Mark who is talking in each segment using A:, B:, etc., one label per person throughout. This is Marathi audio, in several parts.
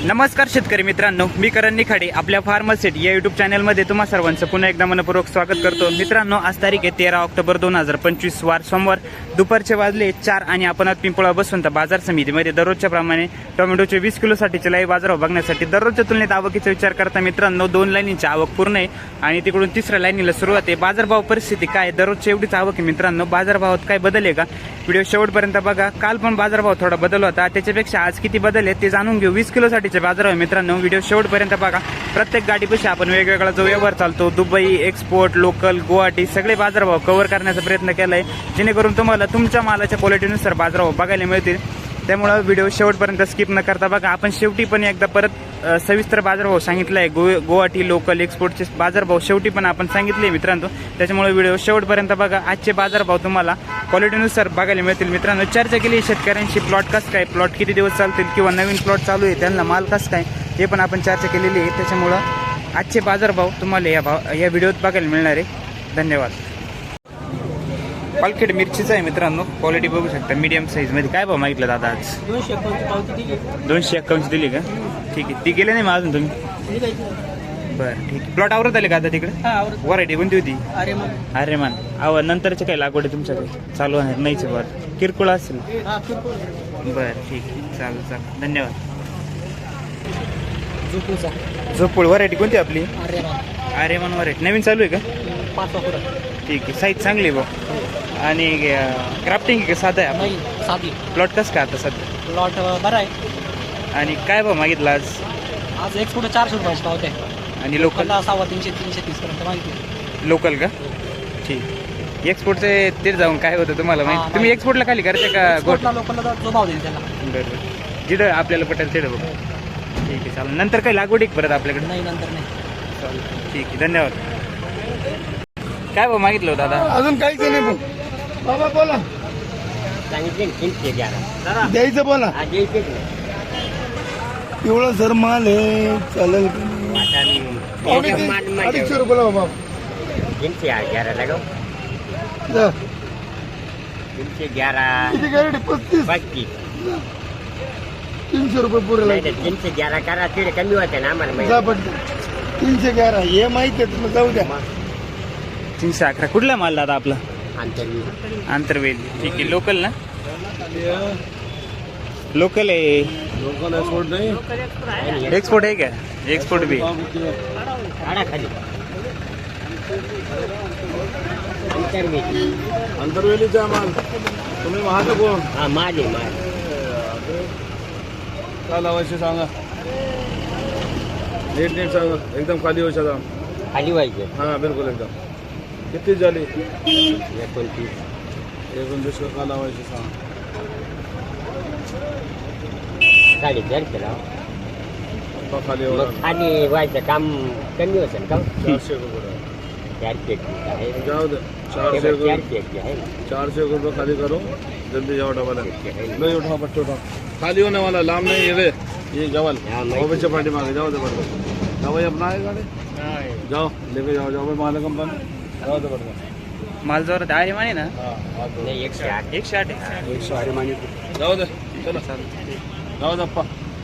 A: नमस्कार शेतकरी मित्रांनो, मी करण निखाडे आपल्या फार्मसेट या यूट्यूब चॅनलमध्ये तुम्हा सर्वांचं पुन्हा एकदा मनपूर्वक स्वागत करतो. मित्रांनो, आज तारीख आहे 13 ऑक्टोबर 2025 वार सोमवार. दुपारचे वाजले 4 आणि आपण आज पिंपळा बसवंत बाजार समितीमध्ये दररोजच्या प्रमाणे टोमॅटोचे 20 किलोसाठीचे लाईव्ह बाजारभाव बघण्यासाठी दररोजच्या तुलनेत आवकीचा विचार करता मित्रांनो 2 लाईनीची आवक पूर्ण आहे आणि तिकडून तिसऱ्या लाईनीला सुरुवात आहे. बाजारभाव परिस्थिती काय, दररोजची एवढीच आवक आहे मित्रांनो. बाजारभावात काय बदल आहे का, व्हिडिओ शेवटपर्यंत बघा. काल पण बाजारभाव थोडा बदल होता, त्याच्यापेक्षा आज किती बदल आहे ते जाणून घेऊ. 20 किलोसाठीचे बाजारभाव मित्रांनो, व्हिडिओ शेवटपर्यंत बघा. प्रत्येक गाडीपेक्षा आपण वेगवेगळा जो व्यवहार चालतो, दुबई, एक्सपोर्ट, लोकल, गुवाहाटी सगळे बाजारभाव कव्हर करण्याचा प्रयत्न केलाय, जेणेकरून तुम्हाला तुमच्या मालाच्या क्वालिटीनुसार बाजारभाव बघायला मिळतील. त्यामुळे व्हिडिओ शेवटपर्यंत स्किप न करता बघा. आपण शेवटी पण एकदा परत सविस्तर बाजारभाव सांगितला आहे. गुवाहाटी, लोकल, एक्सपोर्टचे बाजारभाव शेवटी पण आपण सांगितले मित्रांनो. त्याच्यामुळे व्हिडिओ शेवटपर्यंत बघा. आजचे बाजारभाव तुम्हाला क्वालिटीनुसार बघायला मिळतील मित्रांनो. चर्चा केली शेतकऱ्यांशी, प्लॉट कसं काय, प्लॉट किती दिवस चालतील किंवा नवीन प्लॉट चालू आहे त्यांना माल कसं काय हे पण आपण चर्चा केलेली आहे. त्याच्यामुळं आजचे बाजारभाव तुम्हाला या व्हिडिओत बघायला मिळणार आहे. धन्यवाद. पालखेड मिरचीचा आहे मित्रांनो, क्वालिटी बघू शकता मीडियम साईज मध्ये. काय भाव मागितलं दादा आज? 251 दिली का? ठीक आहे. ती गेले नाही मग अजून तुम्ही? बरं ठीक आहे. प्लॉट आवरत आले का आता तिकडे? व्हरायटी कोणती होती? अरेमान. नंतरचे काय लागवड आहे तुमच्याकडे चालू आहे? नाहीच बरं, किरकोळ असेल. बरं ठीक आहे, चालेल. धन्यवाद. झोपूळ व्हरायटी कोणती आपली? अरेमान व्हरायटी नवीन चालू आहे का? ठीक आहे. साईज चांगली आहे भाऊ. आणि क्राफ्टिंग आहे का साधा आहे?
B: साधी.
A: प्लॉट कसं काय आता सध्या?
B: प्लॉट बरा आहे.
A: आणि काय भाव मागितला
B: आज एक्सपोर्ट 400 रुपयाची पावते
A: आणि लोकल
B: 330 पर्यंत माहिती.
A: लोकल का? ठीक. एक्सपोर्टचे ते जाऊन काय होतं तुम्हाला माहिती? तुम्ही एक्सपोर्टला खाली करते का?
B: लोकलला जो भाव देईल त्याला.
A: बरोबर, जिथं आपल्याला पटेल तिथं बघ. ठीक आहे, चालेल. नंतर काही लागवड आहे परत आपल्याकडे?
B: नाही, नंतर नाही.
A: चालेल, ठीक आहे. धन्यवाद. काय भाव मागितलं होतं दादा?
C: अजून काहीच नाही भाऊ. बाबा बोला, द्यायचं बोला. एवढा सर माल आहे, चालेल. 250 रुपये बाबा.
D: 311
C: जा.
D: 311
C: किती गाडी? 35. 300 रुपये पुरे लागले.
D: 311 करा, तिकडे कमी होते ना आम्हाला.
C: जा पटकन. 311 हे माहिती आहे तुम्हाला, जाऊ द्या.
A: 311. कुठला माल दादा आपला? आंतरवेल. ठीक आहे. लोकल ना? लोकल आहे.
C: लोकल एक्सपोर्ट नाही,
A: एक्सपोर्ट आहे का? एक्सपोर्ट भी.
C: अंतरवेलीचा माल. तुम्ही महाग कोण?
D: माझे
C: काय लावायचे सांगा, नीट सांगा. एकदम खाली व्हायचा.
D: खाली व्हायचे.
C: हा बिलकुल एकदम. किती झाली?
D: 29
C: का लावायचे सांगा.
D: 4.5
C: खाली
D: खाली व्हायचं काम कमी होतं का?
C: 400 रुपये.
D: 400 आहे.
C: जाऊ दे. 400
D: आहे.
C: 400 रुपये खाली करो. जल्दी जाओ डबल. नहीं उठाओ बच्चों, उठाओ. खाली होने वाला लाम नहीं है ये जवल. बच्चे पार्टी मांगे. जाओ दे बड़का. जाओ भाई अपना है गाड़ी. जाओ लेके जाओ. जाओ भाई माल कंपनी. जाओ दे बड़का.
A: माल जोरात आहे माने ना?
D: नाही, 108.
A: 108 आहे.
C: 108 माने. जाओ दे. चलो जाओ दप्पा.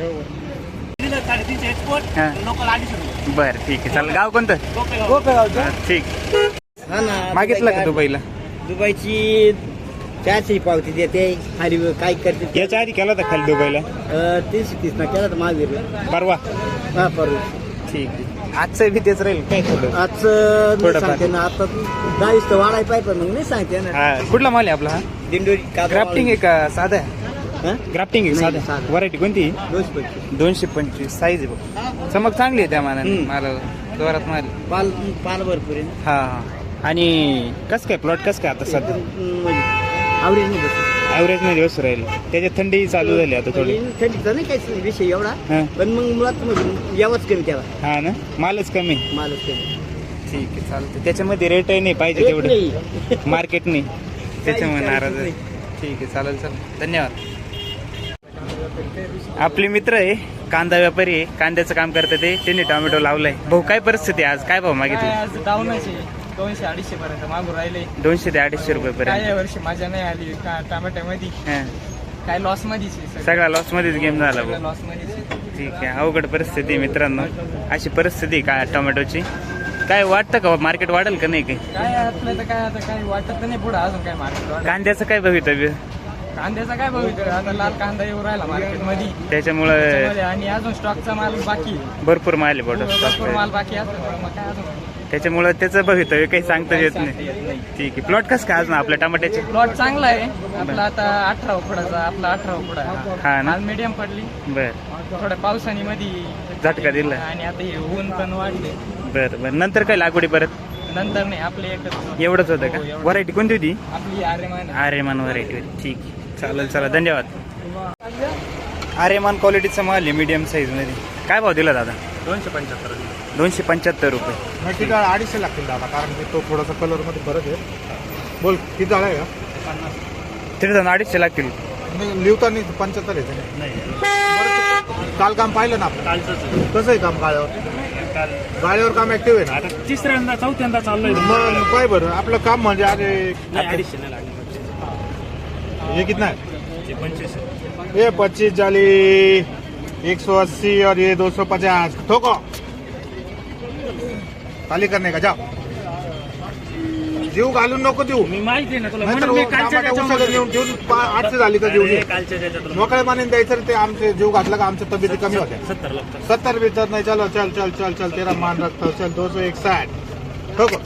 A: हां. बरं ठीक आहे, चालेल. गाव कोणतं? ठीक. मागितलं का दुबईला?
D: दुबईची 400 पावती देते. खाली काय करते?
A: याच्या आधी केला होता खाली दुबईला?
D: 330 ना केला तर महावीर.
A: परवा?
D: हा, परवा.
A: ठीक आहे. आजचं बी तेच राहील काय?
D: आजचं नाही सांगते ना. आता 10 तर वाढायला पाहिजे, पण मग नाही सांगते ना.
A: हा. कुठला माल आहे आपला हा?
D: दिंडोरी.
A: ग्राफ्टिंग आहे का साधा? ग्राफ्टिंग आहे
D: नाही,
A: साधा.
D: साधा.
A: व्हरायटी कोणती?
D: 225.
A: साईज आहे बघ. चमक चांगली आहे त्या मानाने. मला जोरात माल.
D: पाल भरपूर आहे ना.
A: हा. आणि कसं काय प्लॉट कसं काय आता सध्या?
D: आवडेल नाही बस.
A: ॲव्हरेज मध्ये व्यवस्थित राहील. त्याच्यात थंडी चालू झाली आता थोडी.
D: थंडीचा नाही काहीच विषय एवढा,
A: हा.
D: पण मग मुळात यावंच कमी त्याला.
A: हा ना, मालच कमी.
D: मालच कमी.
A: ठीक आहे, चालतं. त्याच्यामध्ये रेटही नाही पाहिजे तेवढं मार्केट नाही, त्याच्यामुळे नाराज आहे. ठीक आहे, चालेल. धन्यवाद. आपले मित्र आहे, कांदा व्यापारी आहे, कांद्याचं काम करतात ते. त्यांनी टोमॅटो लावलाय. भाऊ काय परिस्थिती आज? काय भाव मागितले?
B: आज डाऊनच आहे. 200-250 पर्यंत मागून राहिले.
A: 200 ते 250 रुपये पर्यंत.
B: काय वर्षी माझ्या नाही आली का टमाट्यामध्ये? काय लॉस मध्येच.
A: सगळा लॉस मध्येच गेम झाला.
B: लॉस मध्येच.
A: ठीक आहे, अवघड परिस्थिती आहे मित्रांनो. अशी परिस्थिती आहे का टोमॅटोची? काय वाटतं का मार्केट वाढेल का नाही काही?
B: काय आपलं तर काय आता काही वाटत नाही पुढे अजून काय मार्केट.
A: कांद्याचं काय भवितव्य?
B: कांद्याचा काय बघितलं आता लाल कांदा येऊ राहिला मार्केटमध्ये
A: त्याच्यामुळे
B: आणि अजून स्टॉकचा माल बाकी आहे.
A: भरपूर माल आहे
B: भरपूर माल
A: बॉटल,
B: बाकी असतो मग काय अजून
A: त्याच्यामुळे त्याचं भवितव्य काही सांगता येत नाही. ठीक आहे, प्लॉट कसं काय अजून आपल्या टमाट्याचे?
B: प्लॉट चांगला आहे आपला आता 18 उकडाचा आपला 18 उकडा
A: हा ना?
B: माल मीडियम पडली
A: बर,
B: थोड्या पावसाने मध्ये
A: झटका दिला.
B: आणि आता हे ऊन पण वाढले.
A: बरं बरं, नंतर काय लागवडी परत?
B: नंतर नाही आपले एकच
A: एवढंच होतं का? व्हरायटी कोणती होती?
B: आपली आर्यमान
A: आर्यमान व्हरायटी होती. ठीक आहे, चालेल, चला धन्यवाद. आर्यमान क्वालिटीचा माल आहे मीडियम साईजमध्ये. काय भाव दिला दादा? 275 रुपये.
E: नक्की डाळ 250 लागतील दादा, कारण की तो थोडासा कलर मध्ये फरक आहे. बोल किती डाळ आहे का?
A: तिथे जाऊन 250 लागतील.
E: लिवताना 75 आहे. काल काम पाहिलं ना आपण? कसं आहे काम गाळ्यावर? गाळ्यावर काम ऍक्टिव्ह आहे ना?
B: तिसऱ्यांदा चौथ्यांदा चाललोय.
E: मग काय बरं आपलं काम म्हणजे अरे ये कितना है? ये 25 झाली, 180 और ये 250. ठोको खाली करणे का? जा जीव घालून नको देऊ.
B: मी माहिती आहे ना तुला
E: नाहीतर
B: म्हणून मी कालच्या
E: टमाटा
B: त्याच्यामध्ये-
E: उसाला नेऊन ठेवून 800 झाली तर देऊ
B: कालच्या त्याच्यात
E: मोकळ्या मानेने द्यायचं. ते आमचे जीव घातला का आमच्या तब्येती कमी होत्या.
B: 70 लागतात.
E: 70 भीतर नाही. चलो चल चल चल चल तेरा मान रखता चल 261. ठोको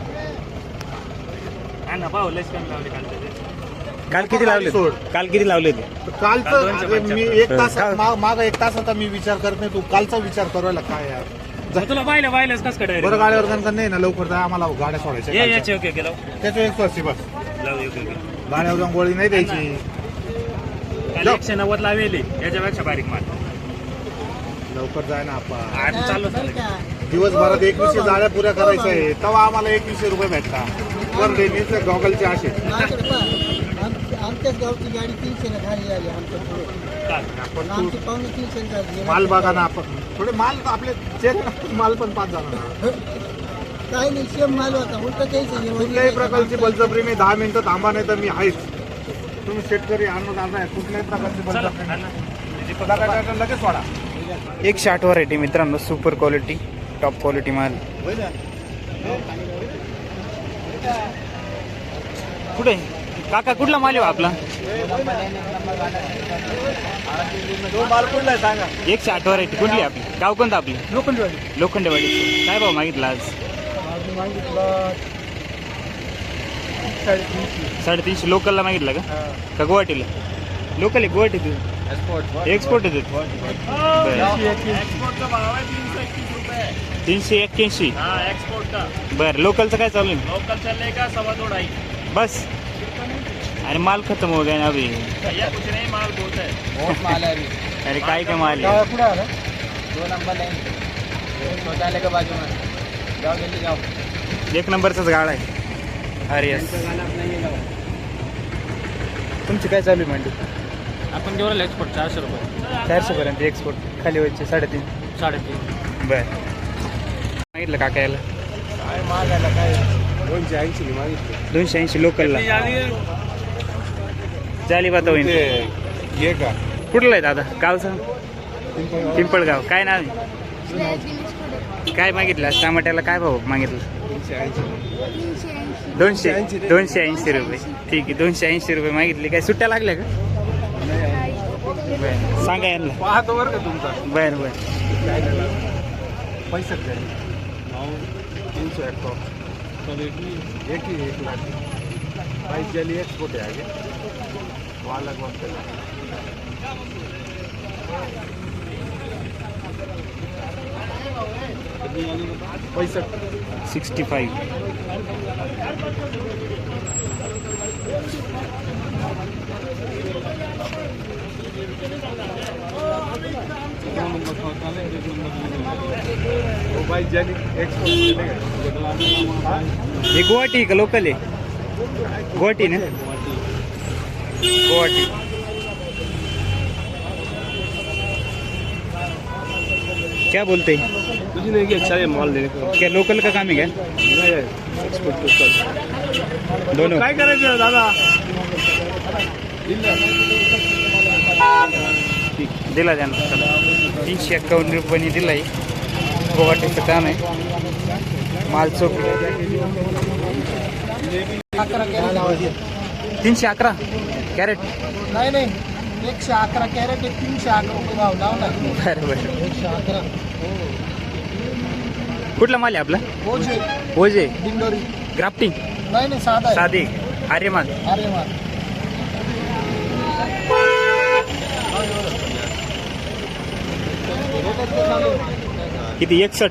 B: हा ना भाऊ लस कमी लावले कालच्या त्याच्यात.
A: काल किती लावले?
E: सोड.
A: काल किती लावले ते?
E: कालचं अरे मी एक तास
A: काय?
E: माग एक तास आता मी विचार करत नाही. तू कालचा विचार करायला काय यार.
B: तुला पाहिलंच कसं काय
E: बरं गाड्यावर गणगण नाही ना लवकर जा आम्हाला गाड्या सोडायच्या
B: याचे ओके गेलो
E: त्याच्या 180 बस.
B: लाव ओके
E: गाड्यावर जाऊन गोळी नाही द्यायची.
B: काल 190 लावेली याच्यापेक्षा बारीक माल
E: लवकर जाय ना आपण.
B: आज चालू
E: दिवसभरात 2100 जाळ्या पुऱ्या करायच्या आहे तेव्हा आम्हाला 2100 रुपये भेटतात. पर डेनीचे गॉगलचे असे.
F: आमच्याच गावची गाडी 300 ने खाली आली आमच्या पुढे.
E: आपण
F: आमची पावणे 300 ने झाली.
E: माल बघा ना आपण थोडे माल आपले चेक माल पण 5 जाणार.
F: काही नाही सेम माल होता उलट द्यायचं.
E: कुठल्याही प्रकारची बलजबरी नाही. 10 मिनिटं थांबा नाही तर मी आहेच. तुम्ही शेतकरी अन्नदाता आहे. कुठल्याही प्रकारची बलजबरी नाही. लगेच सोडा.
A: 160 व्हरायटी मित्रांनो, सुपर क्वालिटी, टॉप क्वालिटी माल. कुठे काका कुठला माल आहे हो आपला? 160 व्हरायटी कुठली आपली? गाव कोणतं आपली? लोखंडेवाडी. काय भाव मागितला आज? 350. लोकलला मागितला का गुवाहाटीला? लोकल आहे गुवाहाटी. एक्सपोर्ट आहे 381. बरं, लोकलचं काय चालू आहे?
B: लोकल चलने का 2.25
A: बस. अरे माल खत्म हो गया ना अभी.
B: भैया कुछ नहीं माल बहुत है.
F: बहुत माल आहे.
A: अरे काय काय माल आहे?
E: पुढे आलं
F: 2 नंबर लाईन शौचालय का बाजू में. जाओ जल्दी जाओ.
A: 1 नंबरचाच गाळा आहे. अरे यस. तुमची काय चालू आहे मंडी?
B: आपण जेवढा एक्सपोर्ट 400 रुपये
A: 400 पर्यंत एक्सपोर्ट. खाली व्हायचे 3.5.
B: 3.5.
A: बर, मागितलं काका याला?
E: काय मागायला काय 280 मागितले.
A: 280 लोकलला. झाली बात होईल.
E: ये का
A: कुठलं आहे दादा? गावचं? पिंपळगाव. काय नाव आहे? काय मागितलं टमाट्याला? काय भाव मागितलं? 280 रुपये. ठीक आहे, 280 रुपये मागितले. काय सुट्ट्या लागल्या का? बरं, सांगा यांना.
E: पाहतो बरं का तुमचा
A: बरं बरं.
E: पैसे द्या. 300 एक ही 1 लाख प्राइस के लिए एक्सपोर्ट है आगे वो अलग वक्त पैसा
A: 65.
E: वो भाई जानी एक्सपोर्ट
A: हे गुवाहाटी का लोकल आहे? गुवाहाटी ना? गुवाहाटी. क्या बोलते हैं?
C: कुछ नहीं कि अच्छा है माल देने का.
A: क्या लोकल का काम है क्या?
C: एक्सपोर्ट तो कर.
A: दोनों.
C: काय करायचं दादा?
A: दिला त्यांना. चला. ₹351 दिलाय. गुवाहाटीचं काम आहे. माल चोक 311 कॅरेट.
F: नाही नाही 111 कॅरेट 311 रुपये भाव लावला.
A: बरोबर.
F: 111
A: कुठला माल आहे आपला?
F: ओझे
A: ओझे
F: दिंडोरी.
A: ग्राफ्टिंग
F: नाही नाही साधा आहे.
A: साधे आर्यमान.
F: अरे वा
A: किती 61.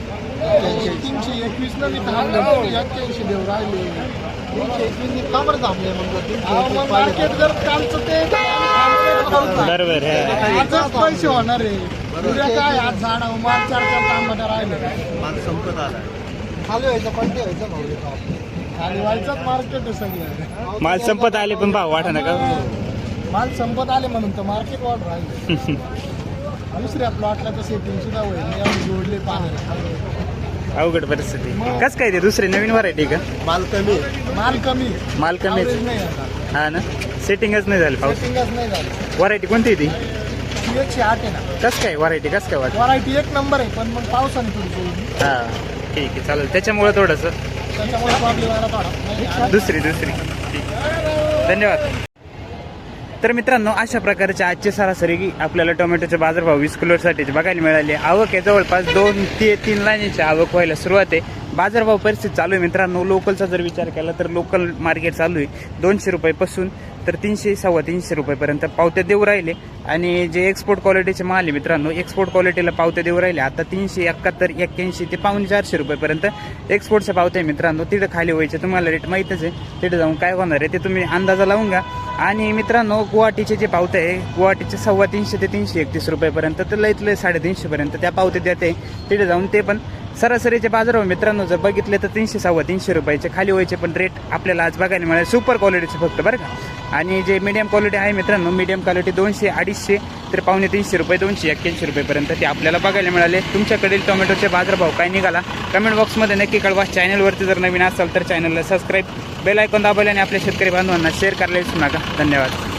F: 321 ना मी थांबलो 81 देऊ राहिले. 321 का बरं थांबले मग मार्केट जर कालचं ते
A: बरोबर आहे.
F: आजच पैसे होणार आहे. उद्या काय आज झाडा माल 4-4 तांबट राहिले.
E: माल संपत आला.
F: खाली व्हायचं पडते व्हायचं भाऊ. खाली व्हायचंच मार्केट आहे सगळं.
A: माल संपत आले पण भाव वाटा नका.
F: माल संपत आले म्हणून तर मार्केट वाढ राहिले. दुसऱ्या प्लॉटला तर सेटिंग सुद्धा होईल. जोडले पाणी
A: अवघड परिस्थिती. कस काय ते दुसरे नवीन व्हरायटी का?
F: माल कमी. माल कमी
A: कमीच.
F: नाही आता.
A: हा ना, सेटिंगच नाही झालं पाऊस.
F: सेटिंगच नाही झालं.
A: व्हरायटी कोणती आहे ती?
F: 108 आहे ना.
A: कस काय व्हरायटी कस काय वाटत?
F: व्हरायटी एक नंबर आहे पण मग पावसाने थोडी
A: हा ठीक आहे चालेल. त्याच्यामुळे थोडंसं
F: त्याच्यामुळे प्रॉब्लेम आला थोडा.
A: दुसरी ठीक. धन्यवाद. तर मित्रांनो, अशा प्रकारचे आजचे सरासरी आपल्याला टोमॅटोचे बाजारभाव 20 किलोसाठीचे बघायला मिळाले. आवक आहे जवळपास 2 ते 3 लाईनीची आवक व्हायला सुरुवात आहे. बाजारभाव परिस्थिती चालू आहे मित्रांनो. लोकलचा जर विचार केला तर लोकल मार्केट चालू आहे 200 रुपयापासून तर 300-350 रुपयापर्यंत पावत्या देऊ राहिले. आणि जे एक्सपोर्ट क्वालिटीचे माल आहे मित्रांनो, एक्सपोर्ट क्वालिटीला पावत्या देऊ राहिले. आता 371, 81 ते ₹400 रुपयापर्यंत एक्सपोर्टच्या पावत्या आहे मित्रांनो. तिथं खाली व्हायचे तुम्हाला रेट माहीतच आहे. तिथे जाऊन काय होणार आहे ते तुम्ही अंदाजा लावून घ्या. आणि मित्रांनो, गुवाहाटीचे जे पावते आहे गुवाहाटीचे 350 ते 331 रुपयापर्यंत तर लईत लय 350 पर्यंत त्या पावते देते. तिथे जाऊन ते पण सरासरीचे बाजारभाव मित्रांनो जर बघितले तर 300-350 रुपयाचे खाली व्हायचे पण रेट आपल्याला आज बघायला मिळाले. सुपर क्वालिटीचे फक्त बरं का. आणि जे मीडियम क्वालिटी आहे मित्रांनो, मीडियम क्वालिटी 200-250 तर ₹250 ₹281 रुपयापर्यंत ते आपल्याला बघायला मिळाले. तुमच्याकडील टोमॅटोचे बाजारभाव काय निघाला कमेंट बॉक्समध्ये नक्की कळवा. चॅनलवरती जर नवीन असाल तर चॅनलला सबस्क्राईब, बेल आयकॉन दाबायला आणि आपल्या शेतकरी बांधवांना शेअर करायला विसरू नका. धन्यवाद.